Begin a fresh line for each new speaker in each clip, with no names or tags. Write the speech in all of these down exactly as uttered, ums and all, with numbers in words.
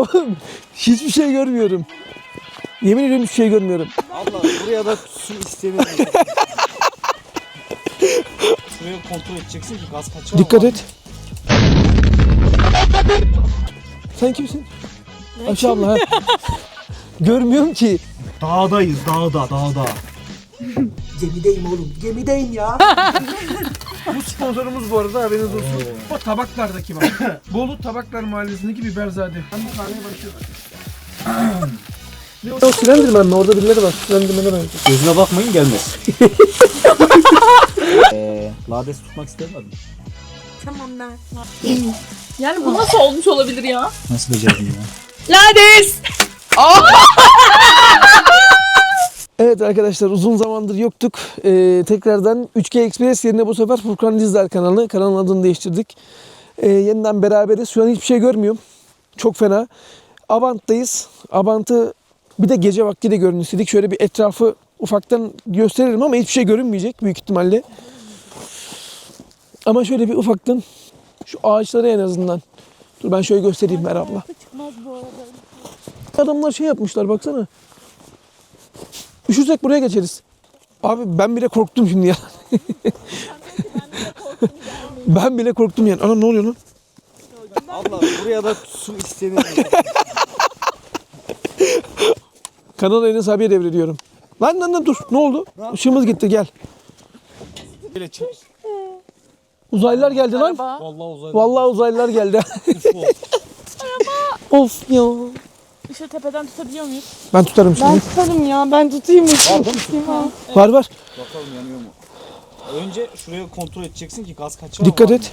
Oğlum hiçbir şey görmüyorum. Yemin ediyorum hiçbir şey görmüyorum.
Allah buraya da su istemiyorum. Şuraya kontrol edeceksin ki gaz kaçar.
Dikkat et. Sen kimsin? Ayşe abla ha. Görmüyorum ki.
Dağdayız dağda dağda.
Gemideyim oğlum, gemideyim ya.
Bu sponsorumuz bu arada haberiniz olsun. O tabaklardaki bak. Bolu Tabaklar Mahallesi'ndeki Biberzade. Ben bu sahneye başlıyorum. O Slenderman mi? Orada birileri var. Slenderman'e benziyor.
Gözüne bakmayın gelmez. Eee lades tutmak istemedim.
Tamam ben.
Yani bu nasıl olmuş olabilir ya?
Nasıl becerdin ya?
Lades!
Evet arkadaşlar uzun zamandır yoktuk. Ee, tekrardan üç G Express yerine bu sefer Furkan Dizdar kanalı. Kanalın adını değiştirdik. Ee, yeniden beraberiz. Şu an hiçbir şey görmüyorum. Çok fena. Abant'tayız. Abant'ı bir de gece vakti de görün istedik. Şöyle bir etrafı ufaktan gösteririm ama hiçbir şey görünmeyecek büyük ihtimalle. Ama şöyle bir ufaktan şu ağaçları en azından. Dur ben şöyle göstereyim Mer abla. Adamlar şey yapmışlar baksana. Üşürsek buraya geçeriz. Abi ben bile korktum şimdi ya. Ben bile korktum yani. Anam ne oluyor lan?
Allah buraya da su istemiyorum.
Kanal Enes abiye devrediyorum. Lan lan lan dur. Ne oldu? Işığımız gitti gel.
Böyle çık.
Uzaylılar geldi lan.
Araba.
Vallahi uzay.
Vallahi uzaylılar geldi.
Ufo.
Of ya.
Işığı tepeden tutabiliyor muyuz?
Ben tutarım
Ben
şimdi.
tutarım ya. Ben tutayım ışığı.
Var değil mi su?
Var var.
Bakalım yanıyor mu? Önce şuraya kontrol edeceksin ki gaz kaçar.
Dikkat et.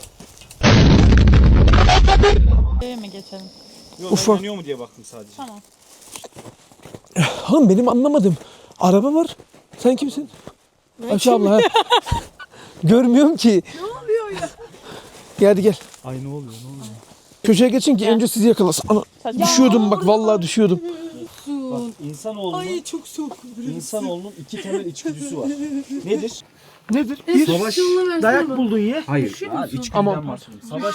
Şuraya mi geçelim?
Yok
Ufak.
ben yanıyor mu diye baktım sadece.
Tamam.
Hanım benim anlamadım. Araba var. Sen kimsin? Ayşe abla ha. Görmüyorum ki.
Ne oluyor ya?
Gel hadi gel.
Ay ne oluyor ne oluyor?
Köşeye geçin ki önce sizi yakalasın. Ana, düşüyordum bak vallahi düşüyordum.
Bak insanoğlunun,
Ay çok soğuk.
insanoğlunun iki temel içgüdüsü var. Nedir?
Nedir? Bir
Savaş.
dayak buldun ye.
Hayır. Ya, içgüdüden
Aman.
bahsediyorum. Savaş.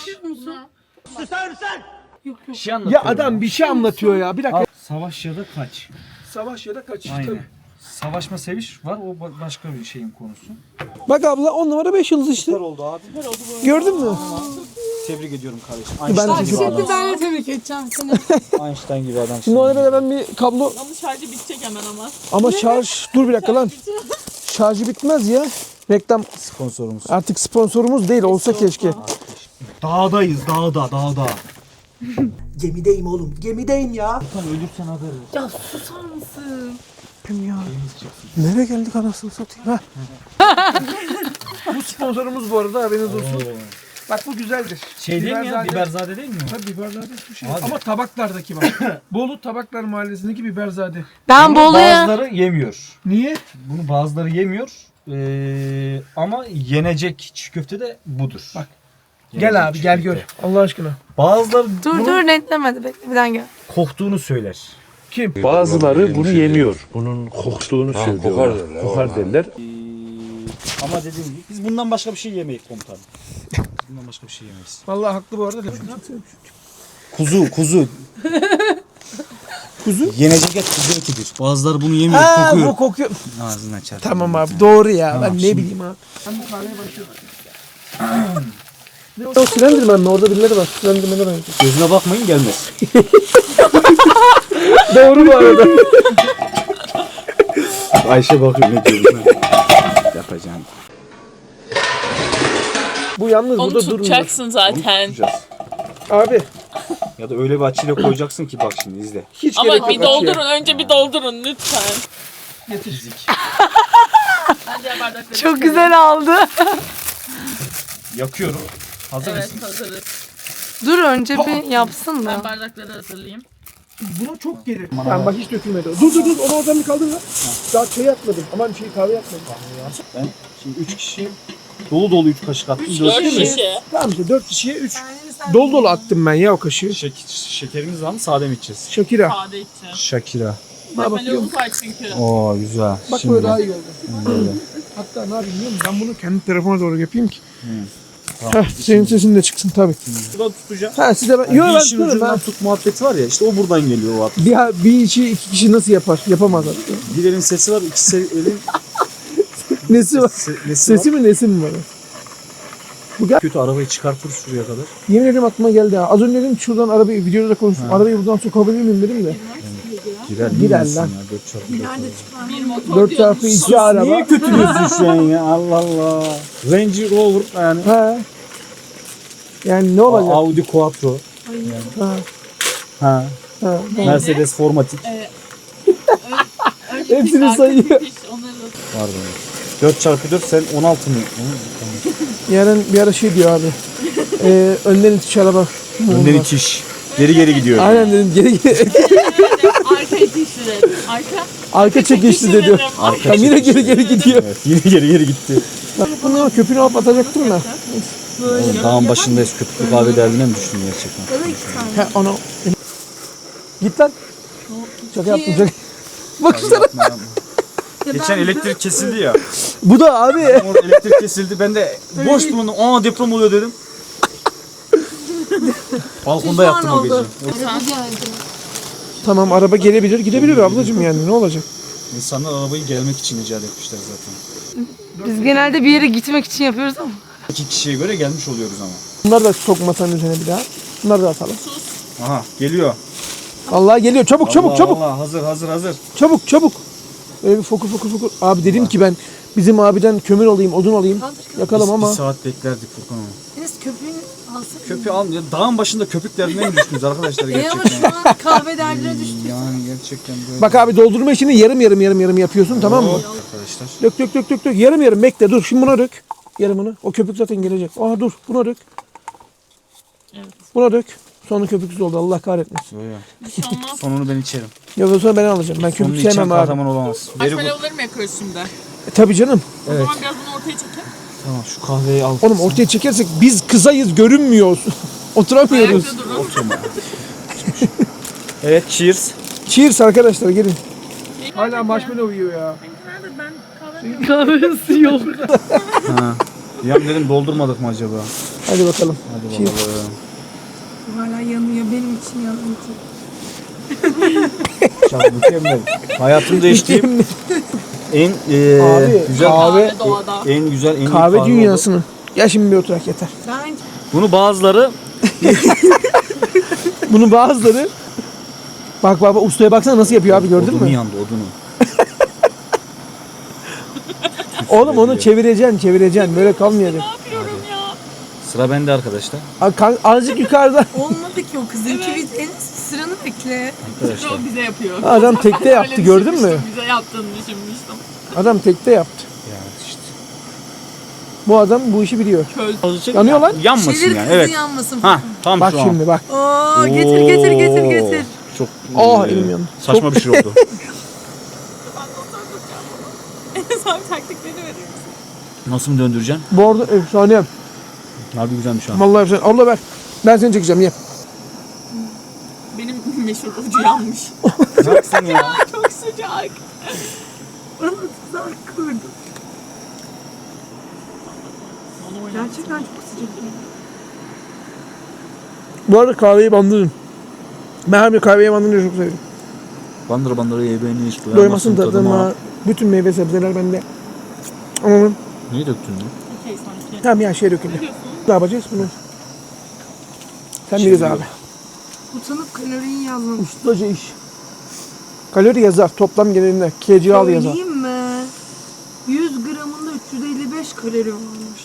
Bir şey
Ya
anlatıyorum.
adam bir şey anlatıyor ya. Bir dakika.
Al, savaş ya da kaç.
Savaş ya da kaç.
Aynen. Savaşma seviş var o ba- başka bir şeyin konusu.
Bak abla on numara beş yıldız işte.
Süper oldu abi.
Gördün mü?
Tebrik ediyorum kardeşim.
Ben
Einstein
de
gibi
Şimdi
adamsın.
ben de tebrik edeceğim seni.
Einstein gibi adamsın.
Şimdi ona ben bir kablo
Ama şarjı bitecek hemen ama.
ama şarj dur bir dakika lan. Şarjı bitmez ya. Reklam
Sponsorumuz.
artık sponsorumuz değil olsa keşke.
Dağdayız dağda dağda.
Gemideyim oğlum, gemideyim ya.
Tam ölürsen haber ver.
Ya susar mısın?
Kim ya? Nereye geldik anasını satayım ha? Bu sponsorumuz bu arada haberiniz olsun. Bak bu güzeldir.
Şey değil mi ya?
Biberzade.
Biberzade değil mi?
Tabii biberzade bir şey.
Abi.
Ama tabaklardaki bak. Bolu Tabaklar Mahallesi'ndeki biberzade.
Ben
Bunu bazıları yemiyor.
Niye?
Bunu bazıları yemiyor. Ee, ama yenecek çiğ köfte de budur.
Bak.
Yenecek
Gel abi
çiğ
gel
köfte.
gör. Allah aşkına.
Bazıları
Dur
bunu
dur netlemedi bekle bir gel.
koktuğunu söyler.
Kim?
Bazıları bunu yemiyor. Bunun koktuğunu söylüyorlar.
kokar derler,
Kokar derler.
Ee, ama dediğim gibi biz bundan başka bir şey yemeyiz komutanım. Bundan başka bir şey yemeyiz.
Vallahi haklı bu arada.
Kuzu, kuzu.
Kuzu?
Yenecek et kuzu etidir. Bazıları bunu yemiyor,
Ha
kokuyor.
bu kokuyor.
Ağzından çarpıyor.
Tamam abi doğru ya.
Tamam,
ben ne
şimdi-
bileyim abi. Ben bu sahneye başlıyorum. Ne o Slenderman mi? Orada birileri var. Slenderman'e benziyor.
Gözüne bakmayın gelmez.
Doğru bu arada.
Ayşe bakıyor ne diyor ben. Yapacağım.
Bu yalnız
Onu
burada durmuyor.
tutacaksın zaten.
Abi
Ya da öyle bir açıyla koyacaksın ki bak şimdi izle.
hiç
Ama
gerek
bir
yok.
doldurun. Önce bir doldurun lütfen.
Getir.
Ben diğer bardakları
Çok güzel aldı.
Yakıyorum. Hazır
Evet
mısın?
hazırız.
Dur önce bir yapsın
Ben
da.
bardakları hazırlayayım.
Buna çok gelir. Ben bak hiç dökülmedi. Dur dur dur onu oradan bir kaldır lan. Daha çay yapmadım. Aman şey kahve yapmadım.
Ben şimdi üç kişi dolu dolu üç kaşık attım.
Üç,
dört
dört
kişi.
kişi.
Tamam işte dört kişiye üç. Dolu dolu attım ben ya o kaşığı.
Şek- şekerimiz var mı? Sade mi içeceğiz?
Şakira.
Sade içeceğim.
Şakira.
Bak
Böyle
bakıyorum.
var çünkü.
Oo güzel.
Bak böyle daha iyi oldu. Hatta ne yapayım biliyor musun? Ben bunu kendi telefona doğru yapayım ki. Heh, senin sesin de çıksın tabii.
Buradan tutacağım.
Ha size ben...
Yani
Yok
bir
ben
işin
tutarım
ucundan
ben.
tut muhabbeti var ya işte o buradan geliyor o at.
Bir, bir işi iki kişi nasıl yapar? Yapamazlar.
Bir elin sesi var, iki elin
Nesi var?
se- nesi
Sesi
var.
mi nesi mi var? Bu gel.
Kötü arabayı çıkartır şuraya kadar.
Yemin ederim aklıma geldi ha. Az önce dedim ki şuradan arabayı videoda da konuştum. Arabayı buradan sokabilir miyim dedim de.
Girer,
Girer lan.
dört çarpı dört.
Bir motor
dört
diyormuş.
çarpı iki araba.
Niye kötülüyorsun şu an ya? Allah Allah. Range Rover yani.
Ha. Yani ne olacak?
Audi Quattro.
Ha.
Ha.
Ha.
Mercedes Formatik.
Önce
Hepsini
piş, arka
sayıyor.
piş, onları da-
Pardon. dört çarpı dört sen on altı mı?
Yarın bir ara şey diyor abi. Ee, önden itiş araba.
Önden itiş. Geri geri gidiyor.
Aynen dedim geri geri.
Arka itişli dedim. Arka.
Arka çekişli
dedim.
dedi.
Arka
Tam yine
çekişli.
geri geri gidiyor.
Evet, yine geri geri gitti.
Bunu köpüğünü alıp atacaktım da.
Oğlum dağın başındayız. Köpüklü kahve derdine mi düştün gerçekten?
He onu. Git lan. Şaka yaptım şaka. Baksana.
Yapma, yapma. Geçen elektrik kesildi ya.
Bu da abi.
Orada elektrik kesildi. Ben de boş bulundum. Aa deprem oluyor dedim. Balkonda yattım o gece.
Tamam araba gelebilir gidebilir ablacığım yani ne olacak?
İnsanlar arabayı gelmek için icat etmişler zaten.
Biz genelde bir yere gitmek için yapıyoruz ama.
İki kişiye göre gelmiş oluyoruz ama.
Bunları da sokma sen üzerine bir daha. Bunları da atalım.
Aha geliyor.
Allah geliyor çabuk çabuk
Allah,
çabuk.
Allah, hazır hazır hazır.
Çabuk çabuk. Böyle bir fokur fokur fokur. Abi dedim ki ben bizim abiden kömür alayım odun alayım. Yakalım
Biz
ama.
bir saat beklerdik Furkan ama.
Enes köpüğünü alsana.
Köpüğü al. Ya, dağın başında köpük derdine mi düştünüz arkadaşlar
E ama
gerçekten?
şu an kahve derdine düştük.
Yani gerçekten böyle.
Bak abi doldurma işini yarım yarım yarım yarım yapıyorsun tamam mı?
Arkadaşlar.
Dök dök dök dök dök. Yarım yarım bekle dur. Şimdi buna dök. Yarımını. O köpük zaten gelecek. Aa dur buna dök.
Evet.
Buna dök. Sonra köpüksüz oldu Allah kahretmesin.
Yo, yo.
Bir şey olmaz.
Sonunu ben içerim.
Ya da sonra ben alacağım. Ben
Sonunu
köpük
içen
sevmem abi.
kahraman olamaz. Beri bu.
Marshmallow'ları mı yakıyoruz şimdi?
E, tabii canım.
O zaman biraz bunu ortaya çekelim.
Tamam şu kahveyi al.
Oğlum ortaya çekersek biz kızayız görünmüyoruz. Oturamıyoruz.
Ayakta durun.
Evet cheers.
Cheers arkadaşlar gelin. Hala marshmallow yiyor ya.
Ben kahve
Kahvesi yok.
Ha. Ya dedim doldurmadık mı acaba?
Hadi bakalım.
Hadi
Cheers.
bakalım.
Hala yanıyor benim için yanıyor.
Çok mükemmel. Hayatımda değiştiğim en e,
Abi,
güzel
kahve-
kahve doğada.
en güzel en iyi
Kahve
oldu.
dünyasını. Ya şimdi bir oturak yeter.
Ben
Bunu bazıları
Bunu bazıları bak bak bak, ustaya baksana nasıl yapıyor abi gördün
odunu
mü?
yandı odunu.
Oğlum onu çevireceksin çevireceksin böyle kalmayacak.
Ne yapıyorum ya?
Sıra bende arkadaşlar.
Aa, kan- Azıcık yukarıda.
olmadı ki o kızın ki biz en sıranı bekle.
Arkadaşlar.
O bize yapıyor.
Adam tekte yaptı
Öyle
gördün mü?
düşünmüştüm, Bize yaptığını düşünmüştüm.
Adam tekte yaptı.
Ya işte.
Bu adam bu işi biliyor.
Köz.
Yanıyor lan.
Yanmasın
Şeyleri
yani
kızı
evet.
yanmasın.
Ha tam
Bak
şu an.
şimdi bak.
Oo getir getir getir getir.
Çok
Oh,
e,
elim yandı.
Saçma bir şey oldu.
Enes abi taktiklerini veriyor.
Nasıl mı döndüreceksin?
Bu arada efsane.
Harbi güzelmiş ha.
Vallahi efsane. Abla ver. Ben seni çekeceğim ye.
Benim meşhur ucu yanmış.
Ne yapsın ya?
Çok sıcak.
Gerçekten çok sıcak.
Bu arada kahveyi bandırın. Ben hem de kahveyi bandırınca çok severim.
Bandıra bandıra ye beni hiç
Doymasın
doyamazsın
tadıma.
tadıma.
Bütün meyve sebzeler bende. Anladım.
Niye döktün lan?
Okey sanki.
Tamam ya şey döküldü. Ne yapacağız bunu? Sen
Şey
biliriz
diyor.
abi.
Utanıp kaloriyi yazmamış.
Ustaca iş. Kalori yazar. Toplam genelinde. K C al yazar.
Söyleyeyim mi? yüz gramında üç yüz elli beş kalori varmış.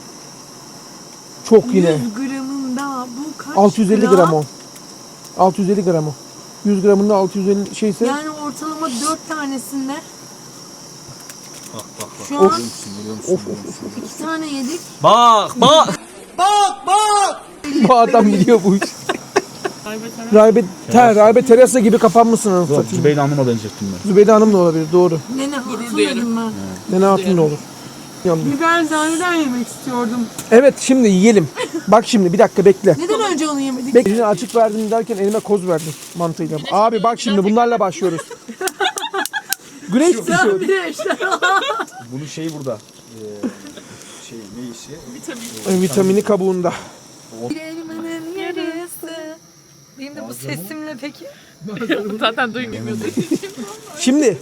Çok yine.
yüz gramında bu kaç
altı yüz elli gram o. altı yüz elli gram o. yüz gramında altı yüz elli şeyse
Yani ortalama dört tanesinde
Bak bak bak.
şu an
Görüyor musun, görüyor musun,
Of,
görüyor musun?
iki tane yedik.
Bak bak.
bu adam biliyor bu işi. Rahbe, ter, Rahbe Teresa gibi kapanmışsın anasını
Yok
satayım.
Zübeyde Hanım'a benzettim ben.
Zübeyde Hanım da olabilir doğru.
Nene hatun
duyarım.
dedim ben.
Nene Hatun da olur. Yandı.
Biber zaneden yemek istiyordum.
Evet şimdi yiyelim. Bak şimdi bir dakika bekle.
Neden önce onu yemedik?
Bekle açık verdim derken elime koz verdim mantığıyla. Abi bak şimdi bunlarla başlıyoruz. Güneş düşüyor.
Bir de işte.
Bunun şeyi burada. Ee, şey ne
Vitamin.
E, vitamini kabuğunda.
Bir elmanın yarısı. Benim de bu sesimle peki.
Zaten duymuyordu.
Şimdi.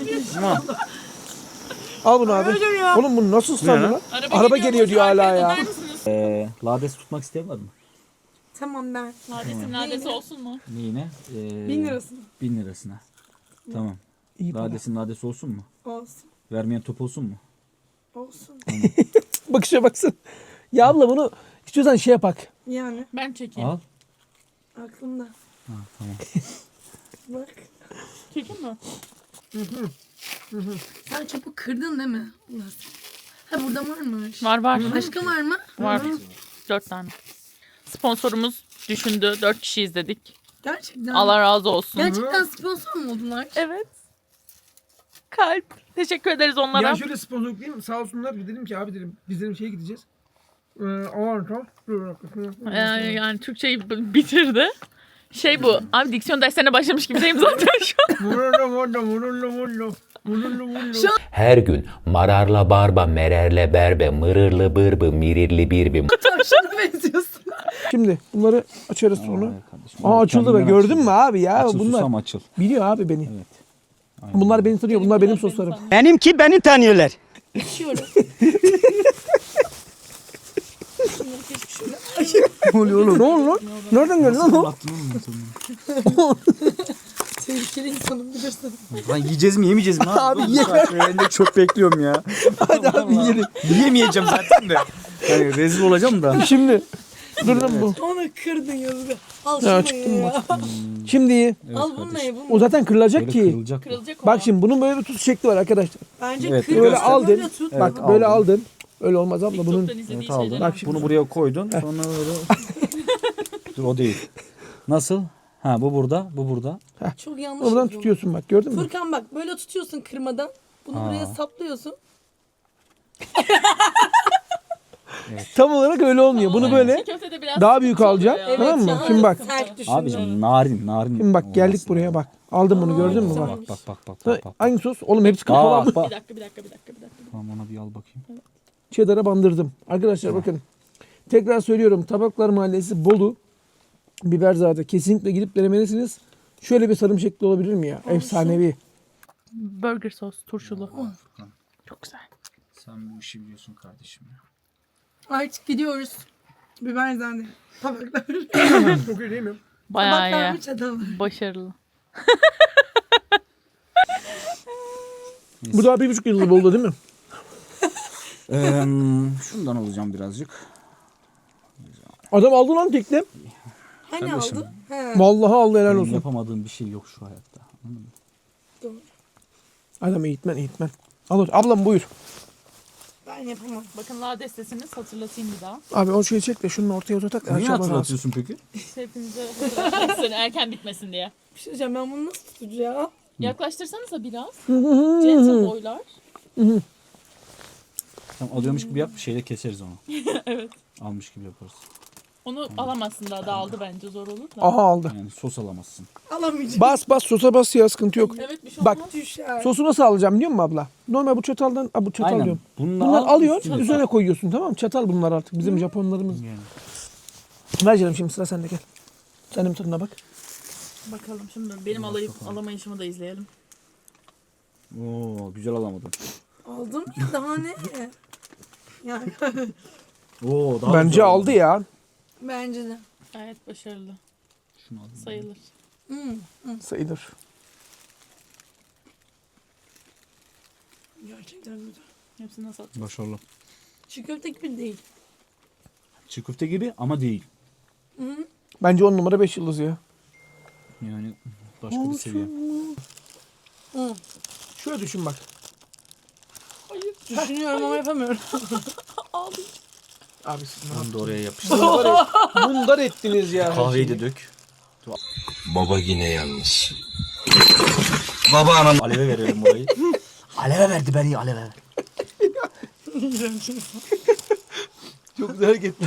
Al bunu abi. Oğlum bunu nasıl ıslandı lan? Araba geliyor diyor hala ya.
Ee, lades tutmak isteyen var mı?
Tamam ben.
Ladesin ladesi olsun mu?
Neyine? Ee,
Bin lirasına.
Bin lirasına. Tamam.
İyi para.
Ladesin ladesi olsun mu?
Olsun.
Vermeyen top olsun mu?
Olsun.
Bakışa baksın. Ya abla bunu istiyorsan şey yapak.
Yani
Ben çekeyim.
Al.
aklımda.
Ha, tamam.
Bak.
Çekeyim mi?
Sen çöpü kırdın değil mi? Allah. Ha burada varmış.
Var var.
Başka var mı?
Var. Dört tane. Sponsorumuz düşündü. Dört kişi izledik.
Gerçekten.
Allah razı olsun.
Gerçekten sponsor mu oldular?
Evet. Kalp. Teşekkür ederiz onlara.
Ya şöyle sponsorluk değil mi? Sağ olsunlar. Bir dedim ki abi dedim biz dedim şeye gideceğiz. Ee, Avanto.
Ee, yani Türkçeyi b- bitirdi. Şey bu. Abi diksiyon derslerine başlamış gibi deyim zaten şu an.
Her gün mararla barba, mererle berbe, mırırlı bırbı, mirirli birbi.
Tavşana benziyorsun.
Şimdi bunları açarız sonra.
Aa, kardeşim.
Aa açıldı be
Kendinden
gördün
açıldı.
mü abi ya
Açıl
bunlar
susam açıl.
biliyor abi beni.
Evet. Aynen.
Bunlar beni tanıyor. Bunlar benim soslarım.
Benimki beni tanıyorlar.
Ne oluyor oğlum? Ne oldu lan? Nereden geldi lan o?
Tehlikeli insanım bilirsin.
Lan yiyeceğiz mi yemeyeceğiz mi?
Abi ye.
Ben de çok bekliyorum ya.
Hadi abi yiyelim.
Yiyemeyeceğim zaten de. Yani rezil olacağım da.
Şimdi. Dur lan bu.
Onu kırdın yazık. Al
Ya
şunu
çıktım
ya.
Şimdi ye.
Al bunu ye bunu.
O zaten kırılacak
Böyle
ki.
kırılacak.
Kırılacak o.
Bak şimdi bunun böyle bir tutuş şekli var arkadaşlar.
Bence
Evet,
kır.
Böyle
göster.
aldın.
Böyle tut.
Bak
Evet,
böyle
aldım.
aldın. Öyle olmaz abla bunun.
TikTok'tan izlediği
Evet, aldım.
şeyleri.
Bak şimdi.
Bunu buraya koydun. Sonra böyle... Dur o değil. Nasıl? Ha bu burada, bu burada.
Çok yanlış.
Oradan
yapıyorum.
tutuyorsun bak gördün mü?
Furkan bak böyle tutuyorsun kırmadan. Bunu
Ha.
buraya saplıyorsun.
Tam olarak öyle olmuyor. Bunu böyle
Çiğ köftede biraz
daha büyük
sıkıntı oluyor
alacaksın.
ya.
Tamam mı?
ya,
Şimdi bak.
Sert düşün.
Abicim narin, narin.
Şimdi bak geldik
olması
buraya
lazım.
bak. Aldım bunu gördün mü bak.
Bak bak bak bak bak. bak.
Hangi sos? Oğlum hepsi kapalı.
Aa,
ama.
bak.
Bir dakika bir dakika bir dakika bir dakika.
Tamam ona bir al bakayım.
Cheddar'a bandırdım. Arkadaşlar bakın. Tekrar söylüyorum. Tabaklar Mahallesi Bolu. Biberzade. Kesinlikle gidip denemelisiniz. Şöyle bir sarım şekli olabilir mi ya? Efsanevi.
Burger sos turşulu. Çok güzel.
Sen bu işi biliyorsun kardeşim ya.
Artık gidiyoruz. Biber zannedi. Tabaklar.
Çok iyi değil mi?
Bayağı
Tabaklar
iyi.
mı çatal mı?
Başarılı.
Bu daha bir buçuk yıldır Bolu'da değil mi?
Ee, şundan alacağım birazcık.
Adam aldı lan tekli.
Hani
Kardeşim.
aldı? He.
Vallahi aldı helal
Benim
olsun.
yapamadığım bir şey yok şu hayatta. Anladın mı?
Doğru.
Adam eğitmen eğitmen. Alır. Ablam buyur.
Ben yapamam.
Bakın la destesiniz hatırlatayım bir daha.
Abi o şeyi çek de şunu ortaya oturtak.
Niye hatırlatıyorsun peki?
Hepinize hatırlatmak erken bitmesin diye.
Bir şey diyeceğim ben bunu nasıl tutacağım?
Yaklaştırsanıza biraz. Gentle boylar.
Tamam alıyormuş gibi yap şeyle keseriz onu.
Evet.
Almış gibi yaparız.
Onu alamazsın daha dağıldı bence zor olur da.
Aha aldı.
Yani sos alamazsın.
Alamayacağım.
Bas bas sosa bas ya sıkıntı yok.
Evet bir şey
Bak.
olmaz.
Düşer.
Sosu nasıl alacağım biliyor musun abla? Normal bu çataldan, a, bu çatal
Aynen.
diyorum.
Bununla
Bunları
al,
alıyorsun,
üstüne-
üzerine koyuyorsun tamam mı? Çatal bunlar artık bizim Japonlarımız.
Yani.
Ver canım şimdi sıra sende gel. Sen de bir tadına bak.
Bakalım şimdi benim alayıp alamayışımı da izleyelim.
Oo güzel alamadım.
Aldım ya daha ne? Yani
Oo daha
Bence
güzel
aldı ya.
bence de.
Gayet başarılı.
Şunu alayım.
Sayılır.
Hmm.
Sayılır.
Gerçekten güzel.
Hepsini nasıl atacağız?
Başarılı.
Çiğ köfte gibi değil.
Çiğ köfte gibi ama değil.
Bence on numara beş yıldız ya.
Yani başka bir seviye.
Hı.
Şöyle düşün bak.
Düşünüyorum ama yapamıyorum.
Abi siz ne
Bunu da oraya yapıştır.
Bunlar, bunlar ettiniz ya.
Kahveyi de dök.
Baba yine yalnız.
Aleve verelim burayı. Aleve verdi beni aleve.
Çok güzel hareketler.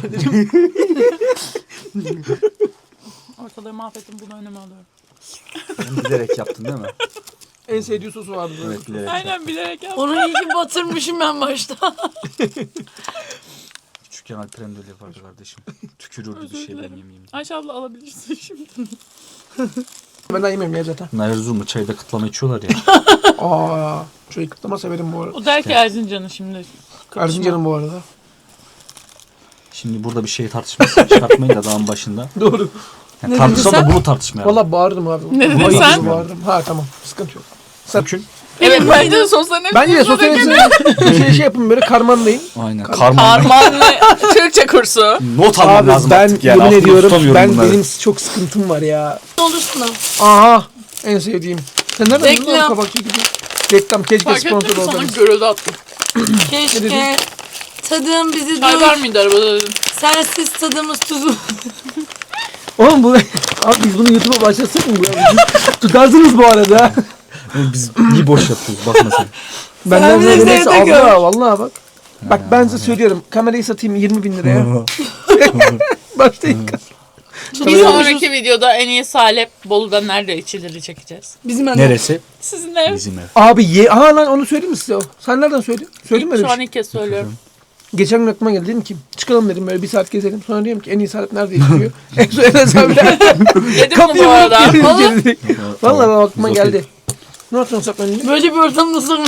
Ortalığı mahvettim bunu önüme alıyorum.
Bunu bilerek yaptın değil mi?
En sevdiği sosu vardı.
Evet bilerek.
Aynen bilerek yaptım.
Onu iyi ki batırmışım ben başta.
Küçükken Alperen de öyle yapardı kardeşim. Tükürürdü bir şeyden yemeyeyim.
Ayşe abla alabilirsin şimdi.
Ben daha yemem ya zaten.
Bunlar Erzurum'da çayda kıtlama içiyorlar ya.
Aa, şöyle kıtlama severim bu arada.
O der ki Erzincan'ı şimdi.
Erzincan'ım bu arada.
Şimdi burada bir şey tartışması çıkartmayın da dağın başında.
Doğru.
Yani tartışalım da bunu tartışmayalım.
Valla bağırdım abi.
Ne dedin
Ayıp
sen?
gibi Bağırdım. Ha tamam. Sıkıntı yok.
Sakın.
Evet bence de sosyal
Bence de sosyal hepsini şey, şey yapın böyle karmanlayın.
Aynen. Karman.
Karmanlı Türkçe kursu.
Not almam
Abi
lazım
ben
artık yani.
yemin
Aklımda
ediyorum
tutamıyorum
ben
bunları.
benim çok sıkıntım var ya.
Olursun da.
Aha en sevdiğim. Sen nereden buldun
Reklam.
lan kabak çekici? Reklam keşke
Fark ettin
sponsor
mi sana
olsaydı.
görüldü attım.
Keşke tadım bizi
Çay
dur.
var mıydı arabada dedim.
Sensiz tadımız tuzum.
Oğlum bu abi biz bunu YouTube'a başlatsak mı bu ya? Tutarsınız bu arada.
Biz iyi boş yapıyoruz bakma sen.
Benden
bizi
böyle neyse
evde gör.
abla vallahi bak. Bak ben size söylüyorum kamerayı satayım yirmi bin liraya. Başlayın.
Bir sonraki videoda en iyi salep Bolu'da nerede içilir çekeceğiz.
Bizim anne.
Neresi?
Sizin ev.
Bizim ev.
Abi ye ha lan onu söyleyeyim mi size o? Sen nereden söyledin? Söyledin mi öyle
Şu
bir
an
şey?
ilk kez söylüyorum.
Geçen gün aklıma geldi dedim ki çıkalım dedim böyle bir saat gezelim. Sonra diyorum ki en iyi saat nerede içiliyor? En son Enes abiler.
Yedim mi bu arada?
Vallahi Vallahi ben aklıma
Biz okey.
geldi. Ne yapıyorsun saklanınca?
Böyle bir ortamda sonra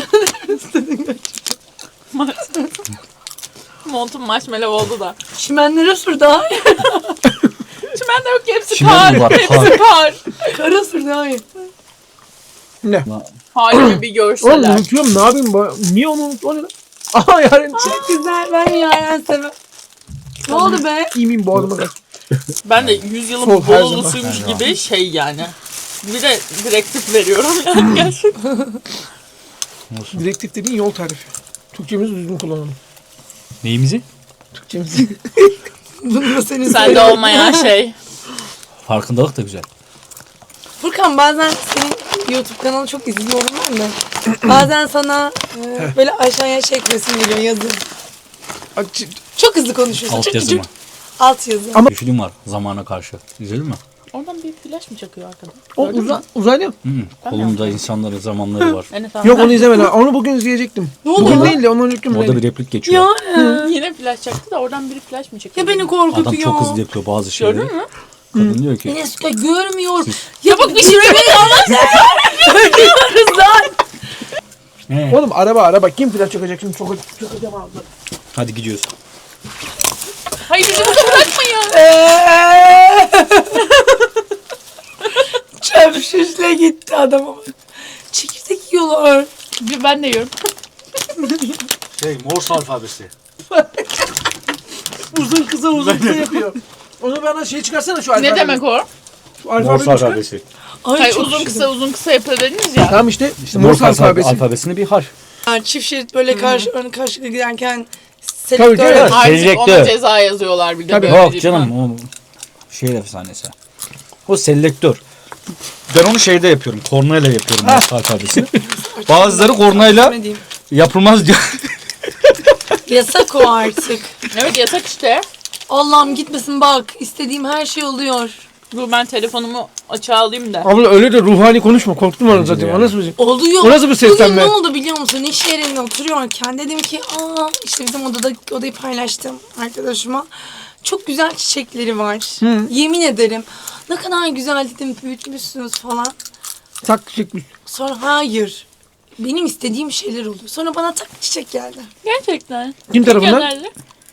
Montum marshmallow oldu da.
çimenlere sür daha iyi.
Çimen de yok ki hepsi
Çimen
kar.
mi var?
Hepsi kar.
Kara sür daha iyi.
Ne?
Halimi bir
Oğlum
görseler.
unutuyorum ne yapayım? bu- Niye onu unut? O ne lan? Aha yarın
Çok güzel. Ben Yaren sever. Ne oldu be?
iyi miyim boğazıma kaç.
Ben de yüzyılın
Sol, her
Bolulusuymuş gibi şey yani. Bir de direktif veriyorum yani gerçekten.
Direktif dediğin yol tarifi. Türkçemizi düzgün kullanalım.
Neyimizi?
Türkçemizi.
Bunu da senin
Sende
söyle.
olmayan şey.
Farkındalık da güzel.
Furkan bazen senin YouTube kanalı çok izliyorum ben de. Bazen sana e, böyle aşağıya çekmesin geliyor yazı.
Aç-
Çok hızlı konuşuyorsun.
Alt
Çok
yazı
küçük.
mı?
Alt yazı.
Ama-
Bir film var zamana karşı. İzledin mi?
Oradan bir flash mı çakıyor arkada?
O uza, uzaylı.
Hı -hı. Kolunda insanların zamanları var.
Evet, tamam.
Yok onu izlemedim. Onu bugün izleyecektim.
Ne oldu
Bugün
lan?
değil de ondan önceki gün
Orada
değil.
bir replik geçiyor.
Ya,
Yine flash çaktı da oradan biri flash mı çekiyor?
ya beni
Adam
korkutuyor.
çok hızlı yapıyor bazı şeyleri.
Gördün mü?
Kadın diyor ki
Enes Kaya görmüyor.
Ya bak bir şey
Görüyoruz lan.
He.
Oğlum araba araba kim flash çakacak şimdi çok çakacağım abi.
hadi gidiyoruz.
Hayır bizi burada bırakmayın.
Çöp şişle gitti adama. Çekirdek yiyorlar.
Bir ben de yiyorum.
Şey Morse alfabesi.
Uzun kısa uzun kısa yapıyor. Onu bana şey çıkarsana şu alfabeyi.
Ne demek o?
Şu alfabeyi çıkar.
Ay
Hayır
çok
uzun
şirin.
kısa uzun kısa yapıyor dediniz ya.
Tamam işte, işte
Morse
Morse alfabesi.
alfabesinde bir harf.
Yani çift şerit böyle karşı ön karşılıklı giderken
Tabii,
selektör.
tabii.
Artık
Selektör.
ona ceza yazıyorlar bir de
Tabii.
böyle.
Yok
değil
canım
mi?
o şehir efsanesi. O selektör. Ben onu şeyde yapıyorum. Kornayla yapıyorum Morse alfabesini. Bazıları kornayla
Bilmediğim.
yapılmaz diyor.
Yasak o artık.
Evet yasak işte.
Allah'ım gitmesin bak. İstediğim her şey oluyor.
Dur ben telefonumu açığa alayım da.
Abla öyle de ruhani konuşma. Korktum onu
Bence de
zaten.
yani.
O nasıl bir şey?
Oluyor.
O nasıl bir seslenme?
Bugün ne oldu biliyor musun? İş yerinde oturuyorken dedim ki aa işte bizim odada odayı paylaştım arkadaşıma. Çok güzel çiçekleri var. Yemin ederim. Ne kadar güzel dedim büyütmüşsünüz falan.
Tak çekmiş.
Sonra hayır. Benim istediğim şeyler oluyor. Sonra bana tak çiçek geldi.
Gerçekten.
Kim tarafından?
Gönderdi.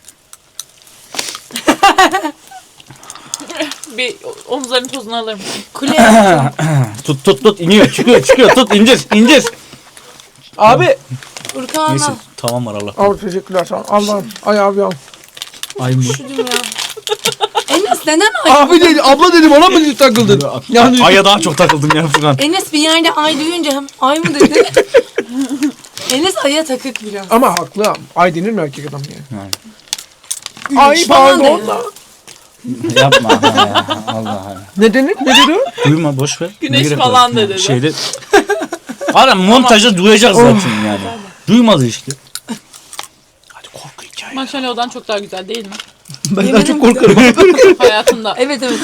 Bir omuzların tozunu alır mısın?
Kule.
Tut tut tut iniyor çıkıyor çıkıyor tut indir indir.
Abi.
Furkan'a.
Neyse tamam var Allah.
Abi teşekkürler sağ ol. Allah'ım. Ay abi ya.
Ay mı?
Üşüdüm ya. Enes neden ay?
Abi dedi, abla dedim ona mı takıldın? Yani
Ay'a daha çok takıldım ya Furkan.
Enes bir yerde ay duyunca hem ay mı dedi? Enes aya takık biraz.
ama haklı. Ay denir mi erkek adam yani?
Yani.
Ay
Güneş falan
pardon.
dedi.
da.
Yapma ya, Allah.
Ne denir? Ne dedi o?
Duyma boş ver.
Güneş
Ne gerek
falan
var?
da dedi.
Şeyde. Ara montajda duyacak zaten yani. Duymadı işte. Hadi korku hikaye.
Marshmallow'dan çok daha güzel değil mi?
Ben daha
Yemedim
çok korkarım.
Hayatında.
Evet evet.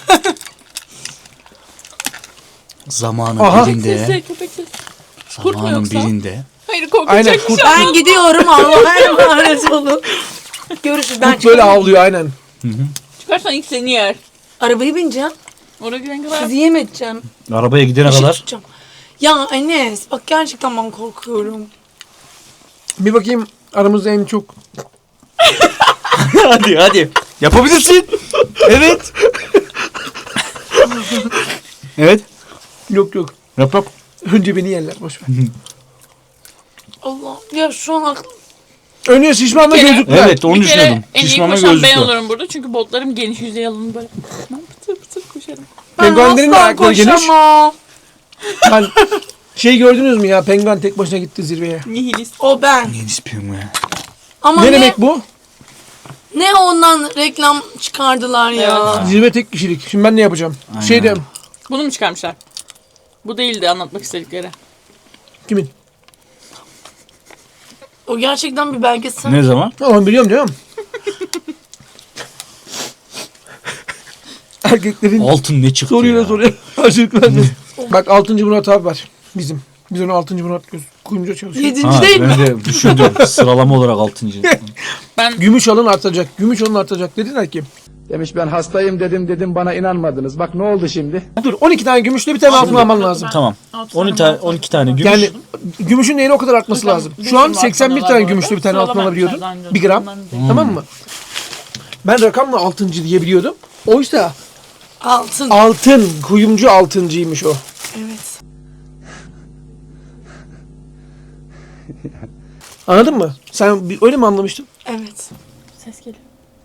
Zamanın
Aha.
birinde.
Sesi köpek sesi. Kurt mu
Zamanın
yoksa?
birinde.
Hayır
Aynen,
korkacak bir
kurt.
şey.
Ben gidiyorum Allah'a emanet olun. Görüşürüz. Ben
Kurt böyle
çıkarım.
havlıyor aynen.
Çıkarsan ilk seni yer.
Arabayı bineceğim.
Oraya giden kadar.
Sizi yem edeceğim.
Arabaya gidene
Işık
kadar.
tutacağım. Ya Enes bak gerçekten ben korkuyorum.
Bir bakayım aramızda en çok.
Hadi hadi. Yapabilirsin. Evet. Evet.
Yok yok.
Yap yap.
Önce beni yerler boş ver.
Allah ya şu an aklım.
Önüne şişmanla
Bir kere-
gözlükler.
Evet onu
Bir kere
düşünüyordum.
en iyi
Şişmana
koşan ben
gözlüklü.
olurum burada. Çünkü botlarım geniş, yüzey alanı böyle. Ben pıtır pıtır koşarım.
Ben
Penguenlerin de
asla
ayakları geniş.
koşamam.
Ben şey gördünüz mü ya? Penguen tek başına gitti zirveye.
Nihilist.
O ben.
Yeni ispiyorum ya.
Ama
Ne,
ne,
demek bu?
ne ondan reklam çıkardılar ya.
Zirve tek kişilik. Şimdi ben ne yapacağım?
Aynen.
Şey de
Bunu mu çıkarmışlar? Bu değildi anlatmak istedikleri.
kimin?
O gerçekten bir belgesel.
Ne zaman?
Tamam biliyorum canım. Erkeklerin
Altın ne çıktı
soruyla
ya?
soruya karşılık vermez. Bak altıncı Murat abi var bizim. Biz onu altıncı Murat göz kuyumcuda çalışıyor.
Yedinci
Ha,
değil mi?
ben de düşündüm. Sıralama olarak altıncı.
Ben
Gümüş alın artacak. Gümüş alın artacak dediler ki.
Demiş ben hastayım dedim dedim bana inanmadınız. Bak ne oldu şimdi?
Dur on iki tane gümüşle bir tane altın alman lazım.
Tamam. on iki tane, on iki tane gümüş.
Yani gümüşün değeri o kadar artması lazım. Şu an seksen bir tane
var
gümüşle bir tane
bu arada.
altın alabiliyordun.
Sıralama
Bir gram.
yapmışlar,
Tamam mı? Ben rakamla altıncı diye biliyordum. Oysa
Altın.
altın, kuyumcu altıncıymış o.
Evet.
Anladın mı? Sen bir- öyle mi anlamıştın?
Evet.
Ses geliyor.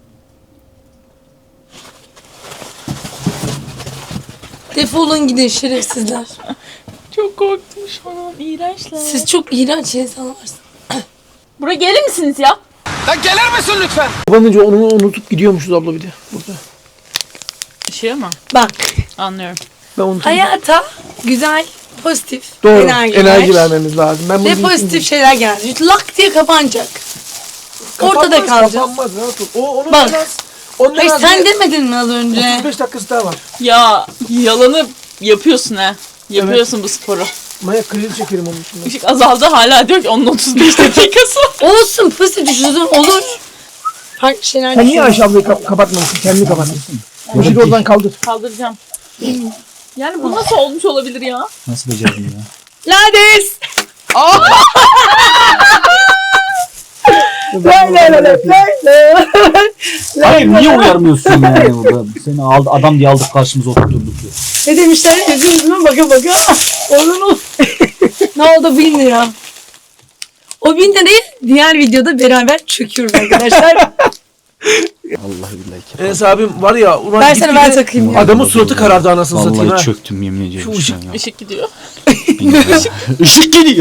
Defolun gidin şerefsizler.
Çok korktum şu an. İğrençler.
Siz çok iğrenç insanlarsınız.
Buraya gelir misiniz ya?
Kapanınca onu unutup gidiyormuşuz abla bir de burada.
Işığı mı?
Bak
Anlıyorum.
Ben unuttum.
hayata güzel, pozitif
Doğru.
enerji,
Enerji,
ver.
vermemiz lazım. Ben bunu
Ve
unuttum.
pozitif şeyler geldi. Lak diye kapanacak. Ortada
Kapanmaz,
kalacağız.
Kapanmaz rahat ol. O, onun
Bak.
biraz, onun
Hayır
biraz
sen
bir
demedin mi az önce?
otuz beş dakikası daha var.
Ya yalanı yapıyorsun ha. Yapıyorsun bu sporu.
Maya kredi çekerim onun için.
Işık azaldı hala diyor ki onun otuz beş dakikası.
Olsun pozitif düşünsün olur. Farklı şeyler
Sen niye
düşün.
Ayşe ablayı kap- kapatmamışsın? Kendini kapatmışsın. Işık oradan kaldır.
Kaldıracağım. Yani bu nasıl olmuş olabilir ya?
Nasıl becerdin ya?
Lades.
Lay lay lay lay lay.
Hayır niye uyarmıyorsun yani burada? Seni aldı, adam diye aldık karşımıza oturturduk ya.
Ne demişler? Yüzüm yüzüme baka baka. Onun o. Ne oldu bin lira. O bin lirayı diğer videoda beraber çöküyoruz arkadaşlar.
Vallahi billahi.
Enes abim var ya. Ulan
Ben
git
sana
gide-
ben takayım ya.
Adamın suratı karardı anasını satayım ha.
Vallahi çöktüm yemin ediyorum.
Şu
şu an ya.
Işık gidiyor.
Işık geliyor.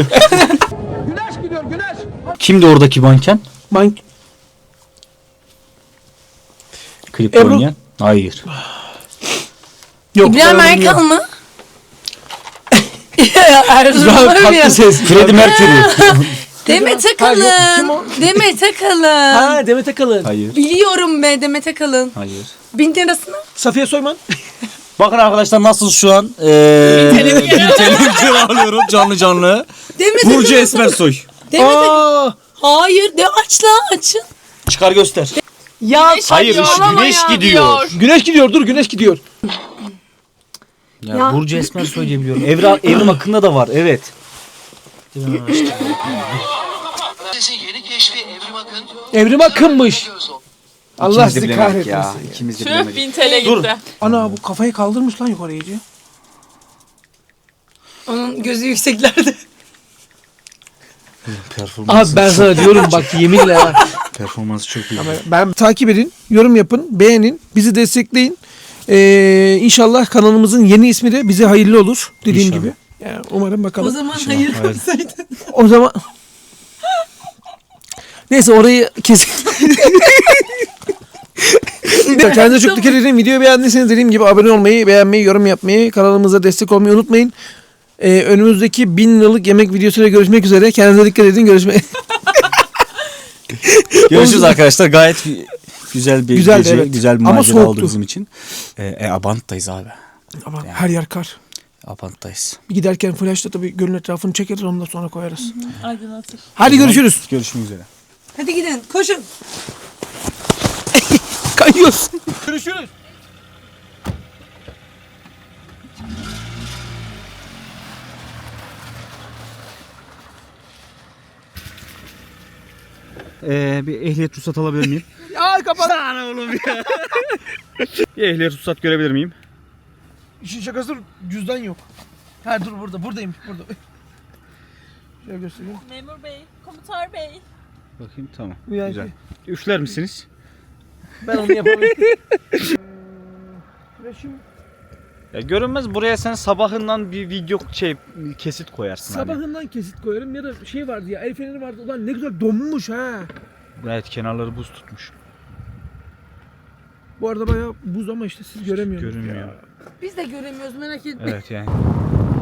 Kimdi oradaki manken?
Man
Klip
Ebru.
oynayan? Hayır.
Yok.
İbrahim
ben onu
Erkan
bilmiyorum.
mı? Erzurum
Daha
var mı ya?
tatlı ses.
Freddie Mercury.
Demet
Ha, yok, kim o?
Akalın. Demet Akalın.
Ha Demet Akalın.
Hayır.
Biliyorum be Demet Akalın.
Hayır.
Bin lirasını.
Safiye Soyman.
Bakın arkadaşlar nasıl şu an eee bin T L alıyorum canlı canlı.
Demet
Burcu
Akalın.
Esmersoy.
Demet Akalın.
Aa.
Hayır de aç la açın.
Çıkar göster.
Ya
Hayır
saçmalama
güneş
ya.
gidiyor.
Güneş gidiyor dur güneş gidiyor.
Ya,
Ya.
Burcu Esmersoy diye biliyorum. Evra, Evrim Akın'da da var evet.
Yeni keşfi Evrim Akın.
Evrim Akın'mış. Allah
İkimiz de
sizi
bilemedik
kahretmesin.
ya.
Ya.
İkimiz de
Tüh
bilemedik.
bin T L
Dur.
gitti.
Ana bu kafayı kaldırmış lan yukarı iyice.
Onun gözü yükseklerde.
Performansı
Abi ben sana diyorum bak yeminle ha.
performansı çok iyi.
Ben takip edin, yorum yapın, beğenin, bizi destekleyin. Ee, inşallah kanalımızın yeni ismi de bize hayırlı olur dediğim
İnşallah.
gibi. Yani umarım
O
bakalım.
zaman hayır koysaydın.
O zaman neyse orayı kes. Kendinize çok dikkat edin. Videoyu beğendiyseniz dediğim gibi abone olmayı, beğenmeyi, yorum yapmayı, kanalımıza destek olmayı unutmayın. Ee, önümüzdeki bin liralık yemek videosuyla görüşmek üzere. Kendinize dikkat edin. Görüşmek
Görüşürüz arkadaşlar. Gayet güzel bir
Güzeldi,
gece,
evet.
güzel bir
Ama
macera
soğuktu.
oldu bizim için. Ee, e, Abant'tayız abi.
Ama her yer kar.
Abant'tayız.
Bir giderken flashla tabii gölün etrafını çekeriz ondan sonra koyarız.
Aydınlatır.
Hadi görüşürüz.
Görüşmek üzere.
Hadi gidin koşun.
Kayıyoruz. Görüşürüz.
Ee, bir ehliyet ruhsat alabilir miyim?
Ya kapat.
Sana oğlum ya. Bir ehliyet ruhsat görebilir miyim?
İşin şakası cüzdan yok. Ha dur burada. Buradayım. Burada. Şöyle göstereyim.
Memur bey, komutar bey.
Bakayım tamam.
Yani
Güzel. Üfler misiniz?
ben onu yapamıyorum. Reşim
Ya görünmez buraya sen sabahından bir video şey kesit koyarsın. Hani.
sabahından kesit koyarım ya da şey vardı ya el feneri vardı. Ulan ne güzel donmuş ha.
Evet kenarları buz tutmuş.
Bu arada bayağı buz ama işte siz göremiyorsunuz.
Görünmüyor.
Biz de göremiyoruz merak etme.
Evet yani.